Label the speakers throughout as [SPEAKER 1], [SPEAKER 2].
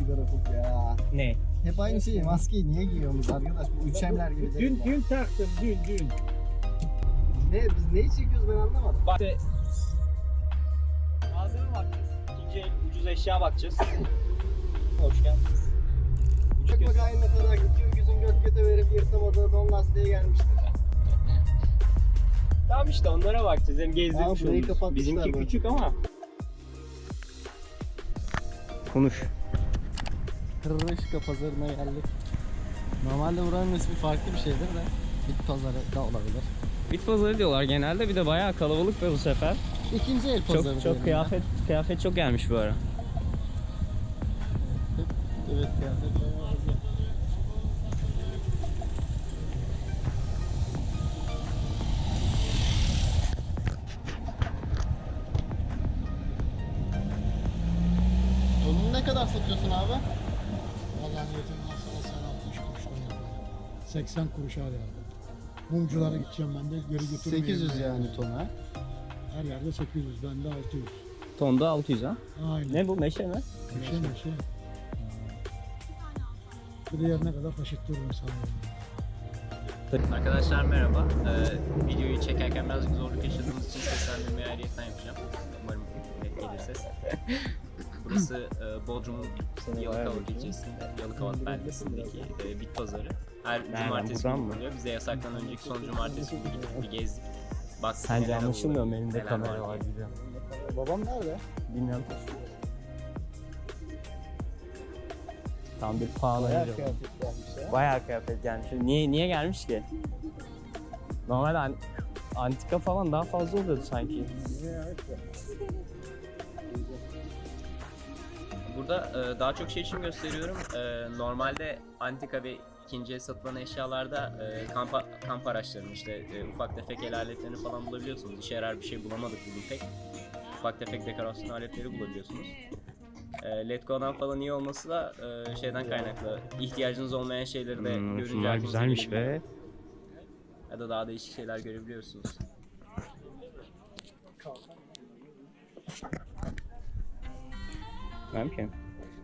[SPEAKER 1] sigara kokuyor ya.
[SPEAKER 2] Ne?
[SPEAKER 1] Hep aynı şeyi, maskeyi niye giyiyoruz arkadaş? Bu üçemler gibi değil ya.
[SPEAKER 3] Dün taktım, dün.
[SPEAKER 1] Biz neyi çekiyoruz ben anlamadım.
[SPEAKER 2] Bak. Malzeme bakacağız. İkinci el ucuz eşya bakacağız. Hoş geldiniz.
[SPEAKER 1] Bak aynı kadar gidiyor, yüzün göt göte verip yırtamadığı don lastiğe gelmiştir.
[SPEAKER 2] Tamam işte onlara bakacağız. Hem
[SPEAKER 1] Aa,
[SPEAKER 2] gezdirmiş
[SPEAKER 1] burayı
[SPEAKER 2] oluruz.
[SPEAKER 1] kapatmışlar
[SPEAKER 2] Bizimki
[SPEAKER 1] böyle.
[SPEAKER 2] küçük ama. Konuş.
[SPEAKER 1] Kırışka pazarına geldik. Normalde buranın ismi farklı bir şeydir de bit pazarı da olabilir.
[SPEAKER 2] Bit pazarı diyorlar genelde. Bir de bayağı kalabalık da bu sefer.
[SPEAKER 1] İkinci el pazarı
[SPEAKER 2] Çok
[SPEAKER 1] diyelim
[SPEAKER 2] kıyafet çok gelmiş bu ara.
[SPEAKER 1] ya. Evet kıyafet bayağı fazla. Donunu ne kadar satıyorsun abi?
[SPEAKER 3] Vallahi niyetim varsa sen 60 kuruş da 80 kuruş al yani. Mumculara gideceğim ben de geri götürmeyeyim.
[SPEAKER 1] 800 yani tona.
[SPEAKER 3] Her yerde 800, bende 600.
[SPEAKER 2] Tonda 600 ha.
[SPEAKER 3] Aynen.
[SPEAKER 2] Ne bu meşe mi?
[SPEAKER 3] Meşe. Bir de yerine kadar taşıttırırım sana.
[SPEAKER 2] Arkadaşlar merhaba. Videoyu çekerken birazcık zorluk yaşadığımız için seslendirmeyi ayrıyetten yapacağım. Umarım net gelir ses. Burası Bodrum'un Yalıkavak ilçesinde, Yalıkavak beldesindeki bit pazarı. Her cumartesi günü oluyor. Bize yasaktan önceki son cumartesi günü gittik, bir gezdik. Baktık
[SPEAKER 4] Sence
[SPEAKER 2] neler
[SPEAKER 4] anlaşılmıyor mu?
[SPEAKER 2] oluyor,
[SPEAKER 4] Elimde
[SPEAKER 2] neler
[SPEAKER 4] kamera var
[SPEAKER 2] diye.
[SPEAKER 4] gibi.
[SPEAKER 1] Babam nerede?
[SPEAKER 4] Bilmiyorum. Tam bir pahalı
[SPEAKER 1] Bayağı
[SPEAKER 4] önce.
[SPEAKER 1] kıyafet gelmiş ya.
[SPEAKER 4] Bayağı kıyafet gelmiş. Niye gelmiş ki? Normalde antika falan daha fazla oluyordu sanki.
[SPEAKER 2] Burada daha çok şey için gösteriyorum. Normalde antika ve ikinci el satılan eşyalarda kamp araçlarını işte ufak tefek el aletlerini falan bulabiliyorsunuz. İşe yarar bir şey bulamadık bugün pek. Ufak tefek dekorasyon aletleri bulabiliyorsunuz. Letgo'dan falan iyi olması da şeyden kaynaklı. İhtiyacınız olmayan şeyleri de görünce
[SPEAKER 4] Bunlar
[SPEAKER 2] aklınıza
[SPEAKER 4] güzelmiş
[SPEAKER 2] gelebiliyor.
[SPEAKER 4] be.
[SPEAKER 2] Ya da daha değişik şeyler görebiliyorsunuz.
[SPEAKER 4] Bilmem ki.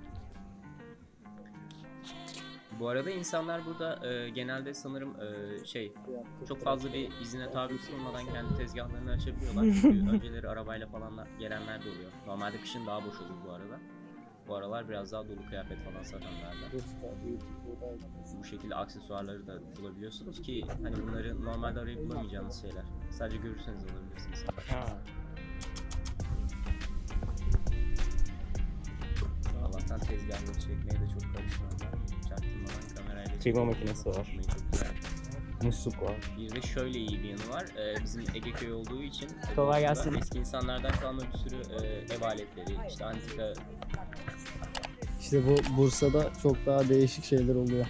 [SPEAKER 2] Bu arada insanlar burada genelde sanırım çok fazla bir izine tabi tutulmadan kendi tezgahlarını açabiliyorlar. Çünkü önceleri arabayla falan gelenler de oluyor. Normalde kışın daha boş olur bu arada. Bu aralar biraz daha dolu kıyafet falan satanlarla. Bu şekilde aksesuarları da bulabiliyorsunuz ki hani bunları normalde arayıp bulamayacağınız şeyler. Sadece görürseniz alabilirsiniz. Allah'tan tezgahları çekmeye de çok karışmadılar. Çaktırmadan kamerayla
[SPEAKER 4] Çekme makinesi var.
[SPEAKER 2] Çok güzel.
[SPEAKER 4] Musluk var.
[SPEAKER 2] Bir de şöyle iyi bir yanı var. Bizim Ege köyü olduğu için
[SPEAKER 4] Kolay gelsin.
[SPEAKER 2] eski insanlardan kalma bir sürü ev aletleri, işte antika.
[SPEAKER 1] İşte bu Bursa'da çok daha değişik şeyler oluyor.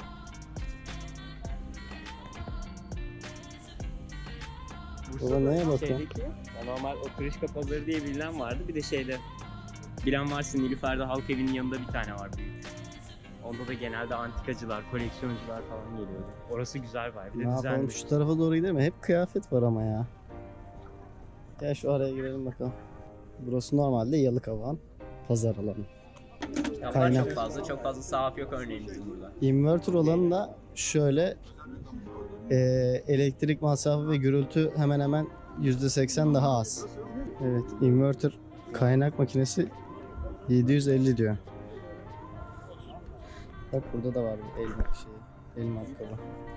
[SPEAKER 1] Baba neye bakıyorsun?
[SPEAKER 4] Şeydeki, ya normal oturuşka pazarı diye bilinen vardı. Bir de şeyde, bilen varsa Nilüfer'de Halk Evi'nin yanında bir tane var büyük. Onda da genelde antikacılar, koleksiyoncular falan geliyordu. Orası güzel var. Bir
[SPEAKER 1] Ne
[SPEAKER 4] de
[SPEAKER 1] yapalım
[SPEAKER 4] düzenli.
[SPEAKER 1] şu tarafa doğru gidelim mi? Hep kıyafet var ama ya. Gel şu araya girelim bakalım. Burası normalde Yalıkavak'ın pazar alanı.
[SPEAKER 2] Kitaplar
[SPEAKER 1] Kaynak.
[SPEAKER 2] çok fazla sahaf yok örneğin bizim burada.
[SPEAKER 1] Inverter olanı da şöyle elektrik masrafı ve gürültü hemen hemen %80 daha az. Evet, inverter kaynak makinesi 750 diyor. Bak burada da var bir el matkabı.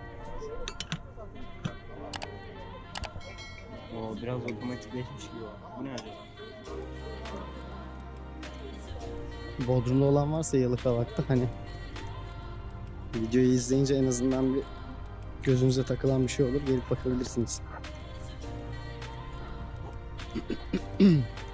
[SPEAKER 4] O biraz otomatikleşmiş gibi var. Bu ne acaba?
[SPEAKER 1] Bodrum'da olan varsa Yalıkavak'ta hani videoyu izleyince en azından bir gözünüze takılan bir şey olur, gelip bakabilirsiniz.